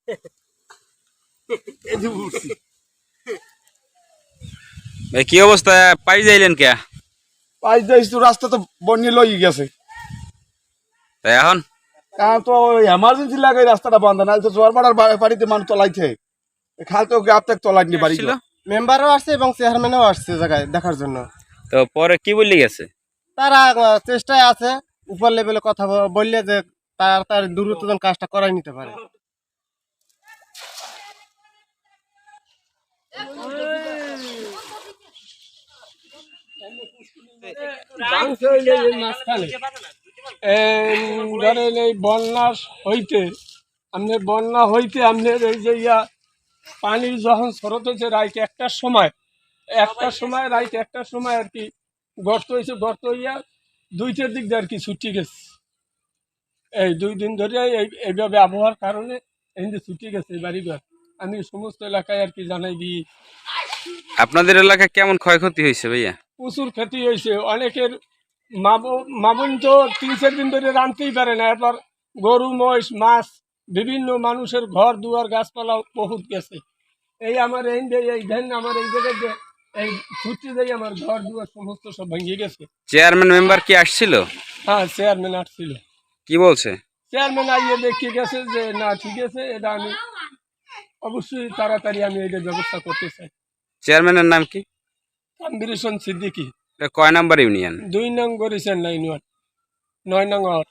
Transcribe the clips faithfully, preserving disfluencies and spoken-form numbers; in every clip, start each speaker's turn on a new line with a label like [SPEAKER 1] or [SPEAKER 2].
[SPEAKER 1] ভাই কি অবস্থা, পাই যাইলেন কে?
[SPEAKER 2] পাই যাইছ তো, রাস্তা তো বন্যে লই গেছে।
[SPEAKER 1] তাই এখন
[SPEAKER 2] কারণ তো এমার্জেন্সি লাগে রাস্তাটা বন্ধ, না তো জোয়ার বাড়ার বাড়িতে মানুষ তলাইছে, খাল তো গাপ থেকে তলাইনি বাড়ি।
[SPEAKER 1] আসছিল?
[SPEAKER 3] মেম্বারও আসছে এবং চেয়ারম্যানও আসছে জায়গায় দেখার জন্য।
[SPEAKER 1] তো পরে কি বললি গেছে?
[SPEAKER 3] তারা আহ, চেষ্টায় আছে, উপর লেভেলে কথা ব- বললে যে তার তার দ্রুততম কাজটা করাই নিতে পারে।
[SPEAKER 4] ধরেন এই বন্যা হইতে আপনার বন্যা হইতে আপনার এই যে ইয়া পানি যখন স্রোত হয়েছে রাইট একটার সময় একটার সময় রাইট একটার সময় আর কি গর্ত হয়েছে, গর্ত হইয়া দুইটার দিক দিয়ে আর কি ছুটি গেছে। এই দুই দিন ধরে এই এইভাবে আবহাওয়ার কারণে এই যে ছুটি গেছে এই বাড়িঘর। আমি সমস্ত এলাকায় আর কি জানাই দিই।
[SPEAKER 1] আপনাদের এলাকায় কেমন ক্ষয়ক্ষতি হয়েছে ভাইয়া?
[SPEAKER 4] প্রচুর ক্ষতি হয়েছে, অনেকের মা ব- মা বোন তো তিন চার দিন ধরে রাঁধতেই পারে না। এরপর গরু মহিষ মাছ বিভিন্ন মানুষের ঘর দুয়ার গাছপালা বহুত গেছে। এই আমার এই যে এই ধান আমার এই জায়গায় যে এই ছুটি দিয়ে আমার ঘর দুয়ার সমস্ত সব ভেঙে গেছে।
[SPEAKER 1] চেয়ারম্যান মেম্বার কি আসছিল?
[SPEAKER 4] হ্যাঁ, চেয়ারম্যান আসছিল।
[SPEAKER 1] কি বলছে?
[SPEAKER 4] চেয়ারম্যান আইয়ে দেখে গেছে যে না ঠিক আছে, এটা আমি অবশ্যই তাড়াতাড়ি আমি এটার ব্যবস্থা করতে চাই।
[SPEAKER 1] চেয়ারম্যানের নাম কি?
[SPEAKER 4] তানভীর হোসেন সিদ্দিকী,
[SPEAKER 1] এটা কয় নাম্বার ইউনিয়ন?
[SPEAKER 4] দুই নং গরিছেন লাইন ওয়ান, নয় নং ওয়ার্ড।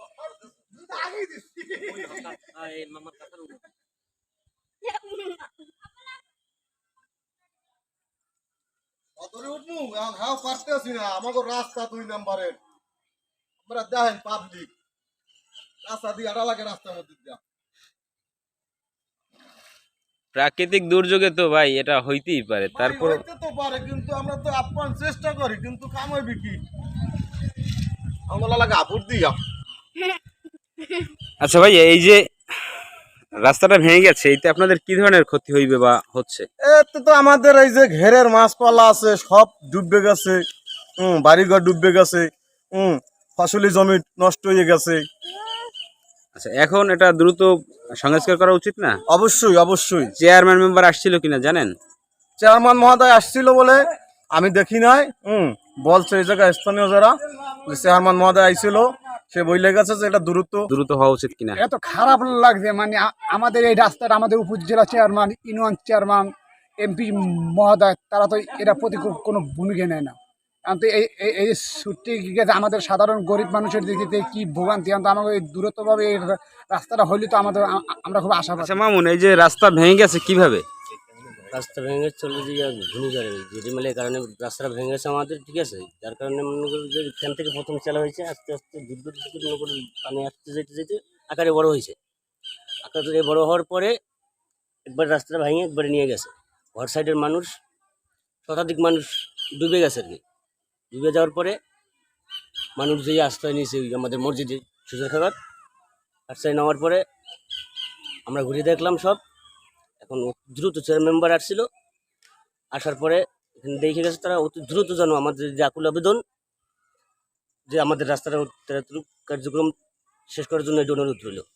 [SPEAKER 2] আমাকে রাস্তা দুই নাম্বারের আমরা দেখেন পাবলিক রাস্তা দিয়ে আড়া লাগে, রাস্তার মধ্যে দিয়া
[SPEAKER 1] প্রাকৃতিক দুর্যোগে তো ভাই এটা হইতেই পারে, তারপর
[SPEAKER 2] হইতে তো পারে, কিন্তু আমরা তো আপ্রাণ চেষ্টা করি, কিন্তু কাম হইবে কি আমরা লাগে আপুর দিয়া।
[SPEAKER 1] আচ্ছা ভাই, এই যে রাস্তাটা ভেঙে গেছে এতে আপনাদের কি ধরনের ক্ষতি হইবে বা হচ্ছে?
[SPEAKER 2] এতে তো আমাদের এই যে ঘেরের মাছপালা আছে সব ডুববে গেছে, হম বাড়িঘর ডুববে গেছে, হম ফসলি জমি নষ্ট হয়ে গেছে।
[SPEAKER 1] আচ্ছা, এখন এটা দ্রুত সংস্কার করা উচিত না?
[SPEAKER 2] অবশ্যই অবশ্যই।
[SPEAKER 1] চেয়ারম্যান মেম্বার আসছিল কিনা জানেন?
[SPEAKER 2] চেয়ারম্যান মহোদয় আসছিল বলে আমি দেখি নাই, হম বলছে এই জায়গায় স্থানীয় যারা যে চেয়ারম্যান মহোদয় আইছিল, সে বইলে গেছে যে এটা দ্রুত
[SPEAKER 1] দ্রুত হওয়া উচিত কিনা।
[SPEAKER 5] এত খারাপ লাগছে, মানে আ- আমাদের এই রাস্তাটা আমাদের উপজেলা চেয়ারম্যান ইউনিয়ন চেয়ারম্যান এমপি মহোদয় তারা তো এটা প্রতি কো- কোনো ভূমিকা নেয় না। কারণ তো এই এই- এই ছুটি গেছে আমাদের সাধারণ গরিব মানুষের দিক থেকে কি ভোগান্তি, কারণ তো আমাকে এই দূরত্বভাবে এই রা- রাস্তাটা হইলে তো আমাদের আ- আ- আমরা খুব আশাবাদী।
[SPEAKER 1] আচ্ছা মামুন, এই যে রাস্তা ভেঙে গেছে কিভাবে?
[SPEAKER 6] রাস্তা ভেঙে চলে যে ঘূর্ণিঝড়ে ঝিরিমালের কারণে রাস্তাটা ভেঙে গেছে আমাদের, ঠিক আছে। যার কারণে মনে করি যে এখান থেকে প্রথম চালা হয়েছে, আস্তে আস্তে বিদ্যুৎ থেকে মনে করি পানি আসতে যেতে যেতে আকারে বড় হয়েছে। আকারে বড় হওয়ার পরে একবার রাস্তাটা ভেঙে একবারে নিয়ে গেছে। ঘর সাইডের মানুষ শতাধিক মানুষ ডুবে গেছে আর কি। ডুবে যাওয়ার পরে মানুষ যেই আশ্রয় নিয়েছে ওই আমাদের মসজিদে সুজা খাবার আশ্রয় নেওয়ার পরে আমরা ঘুরে দেখলাম সব। এখন দ্রুত চেয়ার মেম্বার আসছিল, আসার পরে এখানে দেখে গেছে তারা অতি দ্রুত যেন আমাদের যে আকুল আবেদন যে আমাদের রাস্তাটা কার্যক্রম শেষ করার জন্য এটা অনুরোধ রইল।